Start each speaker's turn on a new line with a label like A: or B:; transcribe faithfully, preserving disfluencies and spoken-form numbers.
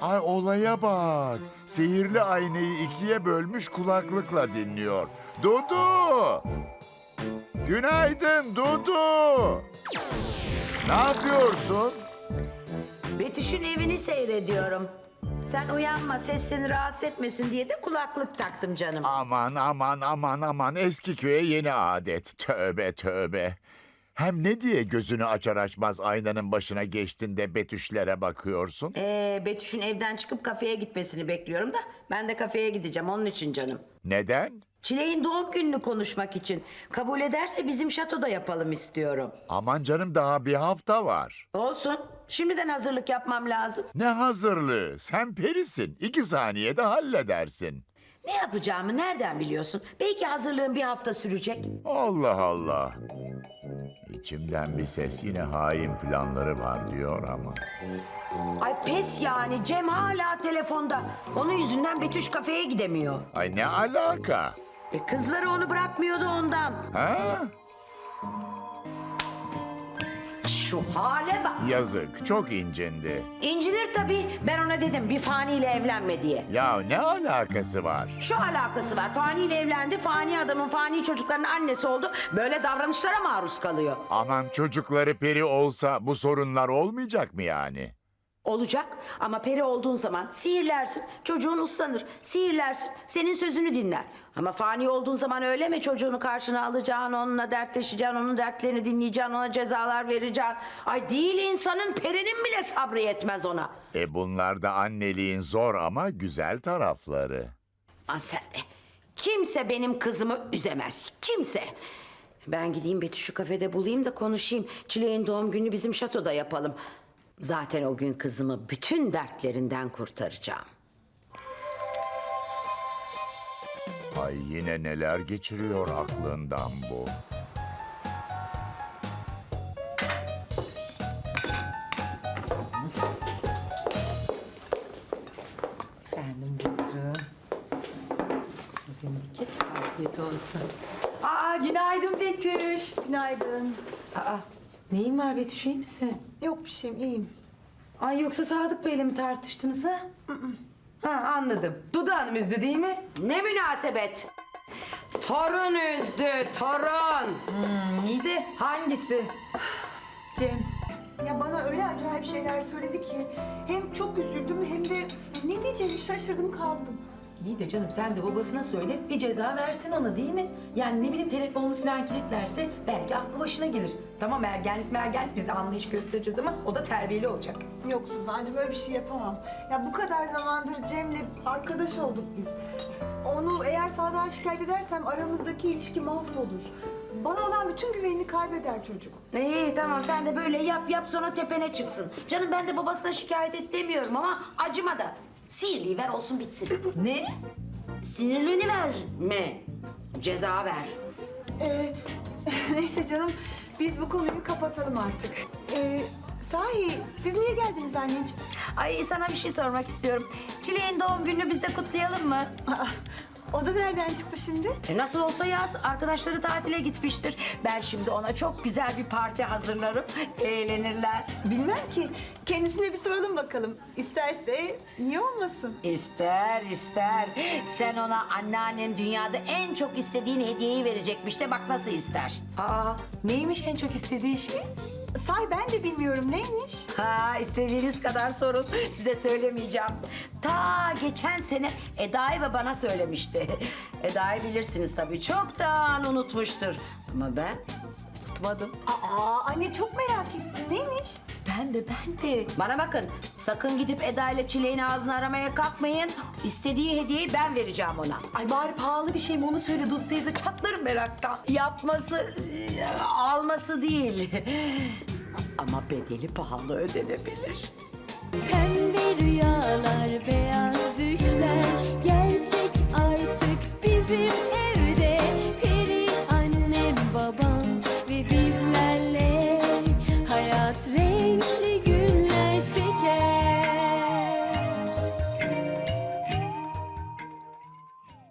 A: Ay olaya bak. Sihirli aynayı ikiye bölmüş kulaklıkla dinliyor. Dudu! Günaydın Dudu! Ne yapıyorsun?
B: Betüş'ün evini seyrediyorum. Sen uyanma, ses seni rahatsız etmesin diye de kulaklık taktım canım.
A: Aman aman aman aman, eski köye yeni adet. Tövbe tövbe. Hem ne diye gözünü açar açmaz aynanın başına geçtin de Betüşlere bakıyorsun?
B: Ee, Betüş'ün evden çıkıp kafeye gitmesini bekliyorum da ben de kafeye gideceğim onun için canım.
A: Neden?
B: Çilek'in doğum gününü konuşmak için. Kabul ederse bizim şatoda yapalım istiyorum.
A: Aman canım, daha bir hafta var.
B: Olsun. Şimdiden hazırlık yapmam lazım.
A: Ne hazırlığı? Sen perisin. İki saniyede halledersin.
B: Ne yapacağımı nereden biliyorsun? Belki hazırlığım bir hafta sürecek.
A: Allah Allah. İçimden bir ses yine hain planları var diyor ama.
B: Ay pes yani. Cem hala telefonda. Onun yüzünden Betüş kafeye gidemiyor.
A: Ay ne alaka?
B: E, kızları onu bırakmıyordu ondan.
A: Ha?
B: Şu hale bak.
A: Yazık, çok incindi.
B: İncinir tabii. Ben ona dedim bir faniyle evlenme diye.
A: Ya ne alakası var?
B: Şu alakası var. Faniyle evlendi. Fani adamın fani çocukların annesi oldu. Böyle davranışlara maruz kalıyor.
A: Aman, çocukları peri olsa bu sorunlar olmayacak mı yani?
B: Olacak ama peri olduğun zaman sihirlersin, çocuğun uslanır. Sihirlersin, senin sözünü dinler. Ama fani olduğun zaman öyle mi? Çocuğunu karşına alacaksın, onunla dertleşeceksin, onun dertlerini dinleyeceksin, ona cezalar vereceksin. Ay değil insanın, perinin bile sabrı yetmez ona.
A: E bunlar da anneliğin zor ama güzel tarafları.
B: Aa, sen de. Kimse benim kızımı üzemez, kimse. Ben gideyim Betüş'ü kafede bulayım da konuşayım. Çileğin doğum günü bizim şatoda yapalım. Zaten o gün kızımı bütün dertlerinden kurtaracağım.
A: Ay yine neler geçiriyor aklından bu.
C: Efendim buyurun. Sizinki afiyet olsun. Aa günaydın Betüş.
D: Günaydın.
C: Aa neyin var Betüş, iyi misin?
D: Yok bir şeyim, iyiyim.
C: Ay yoksa Sadık Bey'le mi tartıştınız ha? Ha anladım. Dudu Hanım üzdü değil mi?
B: Ne münasebet? Torun üzdü, torun.
C: Hmm, iyi de hangisi?
D: Cem, ya bana öyle acayip şeyler söyledi ki... ...hem çok üzüldüm hem de ne diyeceğimi şaşırdım kaldım.
C: İyi de canım sen de babasına söyle, bir ceza versin ona değil mi? Yani ne bileyim telefonunu falan kilitlerse belki aklı başına gelir. Tamam ergenlik mergenlik biz de anlayış göstereceğiz ama o da terbiyeli olacak.
D: Yok Suzancığım, öyle bir şey yapamam. Ya bu kadar zamandır Cem'le arkadaş olduk biz. Onu eğer Sadık'a şikayet edersem aramızdaki ilişki mahvolur. Bana olan bütün güvenini kaybeder çocuk.
B: İyi tamam sen de böyle yap yap sonra tepene çıksın. Canım ben de babasına şikayet et demiyorum ama acıma da. Sihirliyi ver olsun bitsin.
C: Ne?
B: Sinirlerini verme. Ceza ver.
D: Ee, neyse canım, biz bu konuyu kapatalım artık. Ee, sahi siz niye geldiniz anneciğim?
B: Ay sana bir şey sormak istiyorum. Çileğin doğum gününü biz de kutlayalım mı?
D: Aa, o da nereden çıktı şimdi?
B: E nasıl olsa yaz. Arkadaşları tatile gitmiştir. Ben şimdi ona çok güzel bir parti hazırlarım. Eğlenirler.
D: Bilmem ki. Kendisine bir soralım bakalım. İsterse niye olmasın?
B: İster ister. Sen ona anneannen dünyada en çok istediğin hediyeyi verecekmiş de bak nasıl ister.
C: Aa neymiş en çok istediği şey?
D: Say ben de bilmiyorum, neymiş?
B: Ha istediğiniz kadar sorun. Size söylemeyeceğim. Ta geçen sene Eda'yı ve bana söylemişti. Eda'yı bilirsiniz tabii. Çoktan unutmuştur. Ama ben unutmadım.
D: Aa anne, çok merak ettim, neymiş?
C: Ben de ben de.
B: Bana bakın. Sakın gidip Eda ile Çileğin ağzını aramaya kalkmayın. İstediği hediyeyi ben vereceğim ona.
C: Ay bari pahalı bir şey mi onu söyle Dudu teyze, çatlarım meraktan.
B: Yapması, alması değil. Ama bedeli pahalı ödenebilir.
E: Pembe rüyalar, beyaz düşler